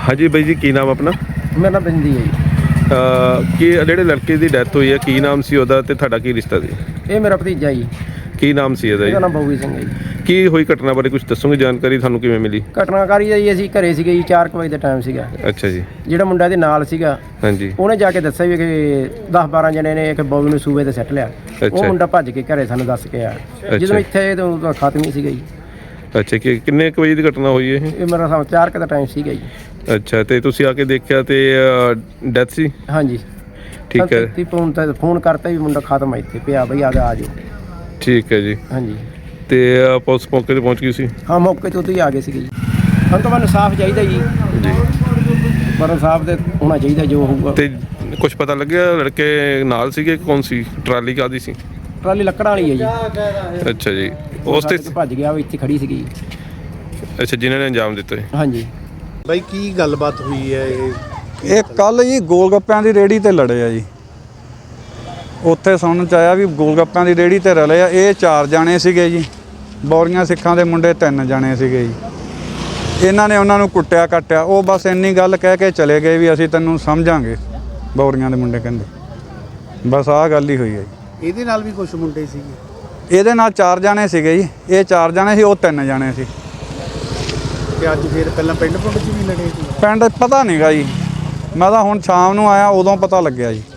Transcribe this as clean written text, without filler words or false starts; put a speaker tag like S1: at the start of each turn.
S1: हाँ जी बाई जी की नाम अपना?
S2: मेरा नाम बिंदी है जी।
S1: कि ਜਿਹੜੇ ਲੜਕੇ ਦੀ ਡੈਥ ਹੋਈ ਹੈ ਕੀ ਨਾਮ ਸੀ ਉਹਦਾ ਤੇ ਤੁਹਾਡਾ ਕੀ ਰਿਸ਼ਤਾ ਸੀ?
S2: ਇਹ ਮੇਰਾ ਭਤੀਜਾ ਜੀ।
S1: ਕੀ ਨਾਮ ਸੀ ਇਹਦਾ
S2: ਇਹਦਾ
S1: ਜੀ?
S2: ਨਾਮ ਬੋਗੀ ਸਿੰਘ ਹੈ ਜੀ।
S1: ਕੀ ਹੋਈ ਘਟਨਾ ਬਾਰੇ ਕੁਝ ਦੱਸੋਗੇ? ਜਾਣਕਾਰੀ ਤੁਹਾਨੂੰ ਕਿਵੇਂ ਮਿਲੀ?
S2: ਘਟਨਾਕਾਰੀ ਦਾ ਜੀ ਅਸੀਂ ਘਰੇ ਸੀਗੇ ਜੀ 4 ਵਜੇ ਦਾ ਟਾਈਮ ਸੀਗਾ।
S1: ਅੱਛਾ ਜੀ।
S2: ਜਿਹੜਾ ਮੁੰਡਾ ਦੇ ਨਾਲ ਸੀਗਾ
S1: ਹਾਂਜੀ।
S2: ਉਹਨੇ ਜਾ ਕੇ ਦੱਸਿਆ ਵੀ ਕਿ 10-12 ਜਣੇ ਨੇ ਇੱਕ ਬੋਗੀ ਨੂੰ ਸੂਬੇ ਤੇ ਸੱਟ ਲਿਆ। ਉਹ ਮੁੰਡਾ ਭੱਜ ਕੇ ਘਰੇ ਸਾਨੂੰ ਦੱਸ ਕੇ ਆਇਆ। ਜਦੋਂ ਇੱਥੇ ਤਾਂ ਖਤਮ ਹੀ ਸੀਗਾ ਜੀ।
S1: ਅੱਛਾ ਕਿ ਕਿੰਨੇ ਕੁ ਵਜੇ ਦੀ ਘਟਨਾ ਹੋਈ ਇਹ?
S2: ਇਹ ਮੇਰਾ ਸਾਹ 4 ਦਾ ਟਾਈਮ ਸੀਗਾ ਜੀ।
S1: ਅੱਛਾ ਤੇ ਤੁਸੀਂ ਆ ਕੇ ਦੇਖਿਆ ਤੇ ਡੈਥ ਸੀ?
S2: ਹਾਂਜੀ
S1: ਠੀਕ ਹੈ।
S2: ਫੋਨ ਕਰਤਾ ਵੀ ਮੁੰਡਾ ਖਤਮ ਹੈ ਇੱਥੇ ਪਿਆ ਬਈ ਆ ਜਾਓ।
S1: ਠੀਕ ਹੈ ਜੀ।
S2: ਹਾਂਜੀ
S1: ਤੇ ਪੁਲਿਸ ਮੌਕੇ ਤੇ ਪਹੁੰਚ ਗਈ ਸੀ?
S2: ਹਾਂ ਮੌਕੇ ਤੋਂ ਹੀ ਆ ਗਏ ਸੀਗੇ ਜੀ। ਸਾਨੂੰ ਤਾਂ ਮੈਨੂੰ ਇਨਸਾਫ ਚਾਹੀਦਾ ਜੀ। ਪਰ ਇਨਸਾਫ ਦੇ ਹੋਣਾ ਚਾਹੀਦਾ ਜੋ ਹੋਊਗਾ।
S1: ਤੇ ਕੁਝ ਪਤਾ ਲੱਗਿਆ ਲੜਕੇ ਨਾਲ ਸੀਗੇ? ਕੌਣ ਸੀ? ਟਰਾਲੀ ਕਾਹਦੀ ਸੀ?
S2: ਟਰਾਲੀ ਲੱਕੜਾਂ ਵਾਲੀ ਹੈ ਜੀ।
S1: ਅੱਛਾ ਜੀ। ਉਸ ਤੇ
S2: ਭੱਜ ਗਿਆ ਉਹ ਇੱਥੇ ਖੜੀ ਸੀਗੀ ਜੀ।
S1: ਅੱਛਾ ਜਿਨ੍ਹਾਂ ਨੇ ਅੰਜਾਮ ਦਿੱਤਾ?
S2: ਹਾਂਜੀ
S3: ਬਾਈ ਕੀ ਗੱਲਬਾਤ ਹੋਈ ਹੈ
S4: ਇਹ ਕੱਲ ਜੀ ਗੋਲ ਗੱਪਿਆਂ ਦੀ ਰੇਹੜੀ ਤੇ ਲੜੇ ਆ ਜੀ। ਉੱਥੇ ਸੁਣਨ ਚ ਆਇਆ ਵੀ ਗੋਲ ਗੱਪਿਆਂ ਦੀ ਰੇਹੜੀ ਤੇ ਰਲੇ ਆ। ਇਹ 4 ਜਾਣੇ ਸੀਗੇ ਜੀ। ਬੌਰੀਆਂ ਸਿੱਖਾਂ ਦੇ ਮੁੰਡੇ 3 ਜਾਣੇ ਸੀਗੇ ਜੀ। ਇਹਨਾਂ ਨੇ ਉਹਨਾਂ ਨੂੰ ਕੁੱਟਿਆ ਕੱਟਿਆ। ਉਹ ਬਸ ਇੰਨੀ ਗੱਲ ਕਹਿ ਕੇ ਚਲੇ ਗਏ ਵੀ ਅਸੀਂ ਤੈਨੂੰ ਸਮਝਾਂਗੇ। ਬੌਰੀਆਂ ਦੇ ਮੁੰਡੇ ਕਹਿੰਦੇ ਬਸ ਆਹ ਗੱਲ ਹੀ ਹੋਈ ਹੈ ਜੀ।
S3: ਇਹਦੇ ਨਾਲ ਵੀ ਕੁਝ ਮੁੰਡੇ ਸੀਗੇ?
S4: ਇਹਦੇ ਨਾਲ 4 ਜਾਣੇ ਸੀਗੇ ਜੀ। ਇਹ 4 ਜਾਣੇ ਸੀ, ਉਹ 3 ਜਾਣੇ ਸੀ।
S3: ਤੇ ਅੱਜ ਫਿਰ ਪਹਿਲਾਂ ਪਿੰਡ 'ਚ ਵੀ ਲੜੇ ਸੀ?
S4: ਪਿੰਡ ਪਤਾ ਨਹੀਂਗਾ ਜੀ। ਮੈਂ ਤਾਂ ਹੁਣ ਸ਼ਾਮ ਨੂੰ ਆਇਆ ਉਦੋਂ ਪਤਾ ਲੱਗਿਆ ਜੀ।